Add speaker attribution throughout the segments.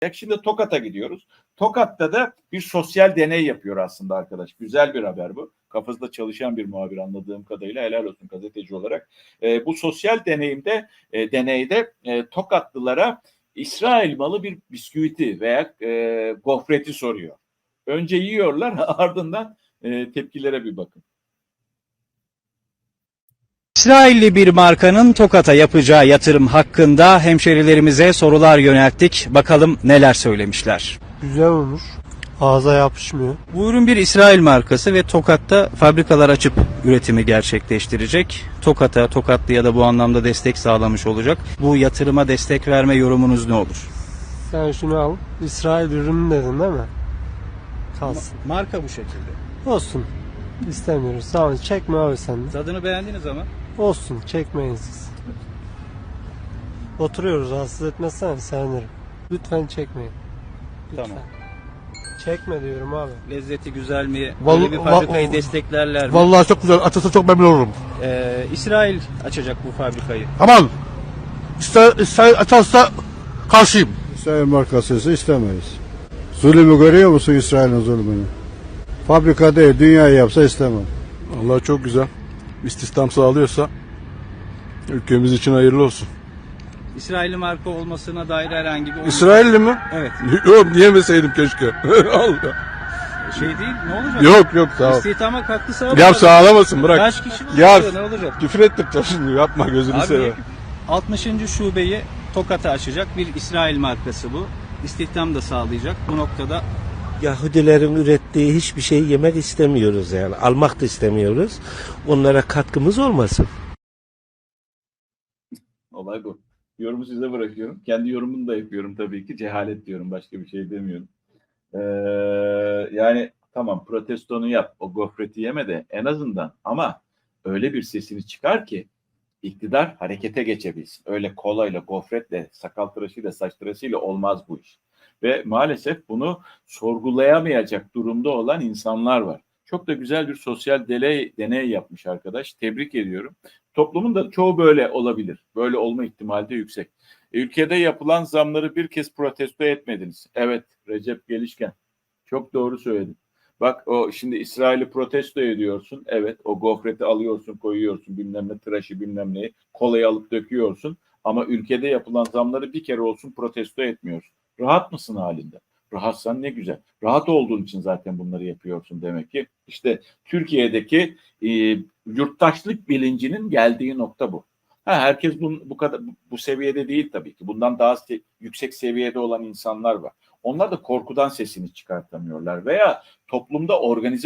Speaker 1: Şimdi Tokat'a gidiyoruz. Tokat'ta da bir sosyal deney yapıyor aslında arkadaş. Güzel bir haber bu. Kafasında çalışan bir muhabir anladığım kadarıyla, helal olsun gazeteci olarak. Bu sosyal deneyde Tokatlılara İsrail malı bir bisküviti veya gofreti soruyor. Önce yiyorlar, ardından tepkilere bir bakın.
Speaker 2: İsrailli bir markanın Tokat'a yapacağı yatırım hakkında hemşerilerimize sorular yönelttik. Bakalım neler söylemişler.
Speaker 3: Güzel olmuş. Ağza yapışmıyor.
Speaker 2: Bu ürün bir İsrail markası ve Tokat'ta fabrikalar açıp üretimi gerçekleştirecek. Tokatlıya da bu anlamda destek sağlamış olacak. Bu yatırıma destek verme yorumunuz ne olur?
Speaker 3: Sen şunu al. İsrail ürünü dedin değil mi? Kalsın.
Speaker 2: Marka bu şekilde.
Speaker 3: Olsun. İstemiyoruz. Sağ ol. Çekme abi sen de.
Speaker 2: Tadını beğendiniz ama.
Speaker 3: Olsun. Çekmeyin siz. Oturuyoruz. Rahatsız etmezsen sevinirim. Lütfen çekmeyin. Lütfen.
Speaker 2: Tamam.
Speaker 3: Çekme diyorum abi.
Speaker 2: Lezzeti güzel mi?
Speaker 4: Vallahi-
Speaker 2: Böyle bir fabrikayı desteklerler mi?
Speaker 4: Vallahi çok güzel. Açılsa çok memnun olurum.
Speaker 2: İsrail açacak bu fabrikayı.
Speaker 4: Aman! İster açarsa karşıyım.
Speaker 5: İsrail markası istemeyiz. Zulümü görüyor musun, İsrail'in zulmünü? Fabrika değil, dünyayı yapsa istemem.
Speaker 4: Vallahi çok güzel. İstihdam sağlıyorsa ülkemiz için hayırlı olsun.
Speaker 2: İsrailli marka olmasına dair herhangi bir...
Speaker 4: İsrailli mi?
Speaker 2: Evet.
Speaker 4: Yok, yemeseydim keşke. Allah.
Speaker 2: Şey değil, ne olacak?
Speaker 4: Yok sağ ol.
Speaker 2: İstihdama katkı sağlar.
Speaker 4: Ya sağlamasın, bırak.
Speaker 2: Kaç kişi var?
Speaker 4: Ya
Speaker 2: Ne olacak?
Speaker 4: küfür ettirtme şimdi, yapma gözünü
Speaker 2: Abi,
Speaker 4: seveyim.
Speaker 2: 60. şubeyi Tokat'a açacak bir İsrail markası bu. İstihdam da sağlayacak. Bu noktada
Speaker 6: Yahudilerin ürettiği hiçbir şeyi yemek istemiyoruz yani. Almak da istemiyoruz. Onlara katkımız olmasın.
Speaker 1: Olay bu. Yorumu size bırakıyorum. Kendi yorumumu da yapıyorum tabii ki. Cehalet diyorum. Başka bir şey demiyorum. Yani tamam, protestonu yap. O gofreti yeme de en azından, ama öyle bir sesini çıkar ki iktidar harekete geçebilsin. Öyle kolayla, gofretle, sakal tıraşıyla, saç tıraşıyla olmaz bu iş. Ve maalesef bunu sorgulayamayacak durumda olan insanlar var. Çok da güzel bir sosyal deney yapmış arkadaş. Tebrik ediyorum. Toplumun da çoğu böyle olabilir. Böyle olma ihtimali de yüksek. Ülkede yapılan zamları bir kez protesto etmediniz. Evet, Recep Gelişken. Çok doğru söyledin. Bak, o şimdi İsrail'i protesto ediyorsun. Evet, o gofreti alıyorsun, koyuyorsun, bilmem ne tıraşı, bilmem neyi, kolayı alıp döküyorsun. Ama ülkede yapılan zamları bir kere olsun protesto etmiyorsun. Rahat mısın halinde? Rahatsan ne güzel. Rahat olduğun için zaten bunları yapıyorsun demek ki. İşte Türkiye'deki yurttaşlık bilincinin geldiği nokta bu. Herkes bu kadar bu seviyede değil tabii ki. Bundan daha yüksek seviyede olan insanlar var. Onlar da korkudan sesini çıkartamıyorlar veya toplumda organize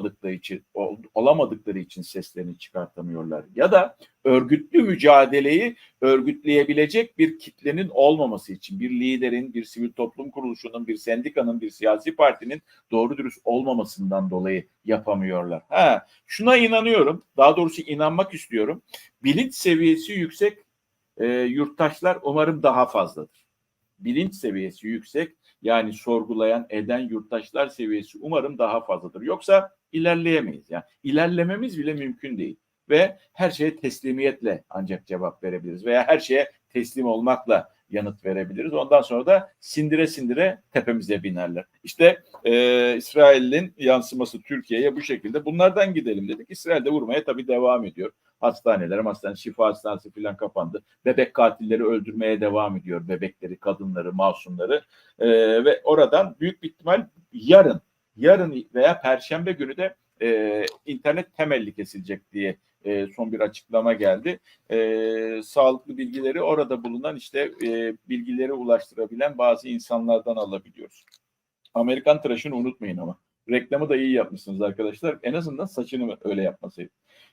Speaker 1: olamadıkları için seslerini çıkartamıyorlar. Ya da örgütlü mücadeleyi örgütleyebilecek bir kitlenin olmaması için, bir liderin, bir sivil toplum kuruluşunun, bir sendikanın, bir siyasi partinin doğru dürüst olmamasından dolayı yapamıyorlar. Şuna inanıyorum, daha doğrusu inanmak istiyorum. Bilinç seviyesi yüksek yurttaşlar umarım daha fazladır. Bilinç seviyesi yüksek, yani sorgulayan, eden yurttaşlar seviyesi umarım daha fazladır. Yoksa ilerleyemeyiz. Yani ilerlememiz bile mümkün değil. Ve her şeye teslimiyetle ancak cevap verebiliriz. Veya her şeye teslim olmakla yanıt verebiliriz. Ondan sonra da sindire sindire tepemize binerler. İşte İsrail'in yansıması Türkiye'ye bu şekilde. Bunlardan gidelim dedik. İsrail'de vurmaya tabii devam ediyor. Şifa hastanesi falan kapandı. Bebek katilleri öldürmeye devam ediyor. Bebekleri, kadınları, masumları. Ve oradan büyük bir ihtimal yarın veya Perşembe günü de internet temelli kesilecek diye son bir açıklama geldi. Sağlıklı bilgileri orada bulunan bilgileri ulaştırabilen bazı insanlardan alabiliyoruz. Amerikan tıraşını unutmayın ama. Reklamı da iyi yapmışsınız arkadaşlar. En azından saçını öyle yapmasaydı.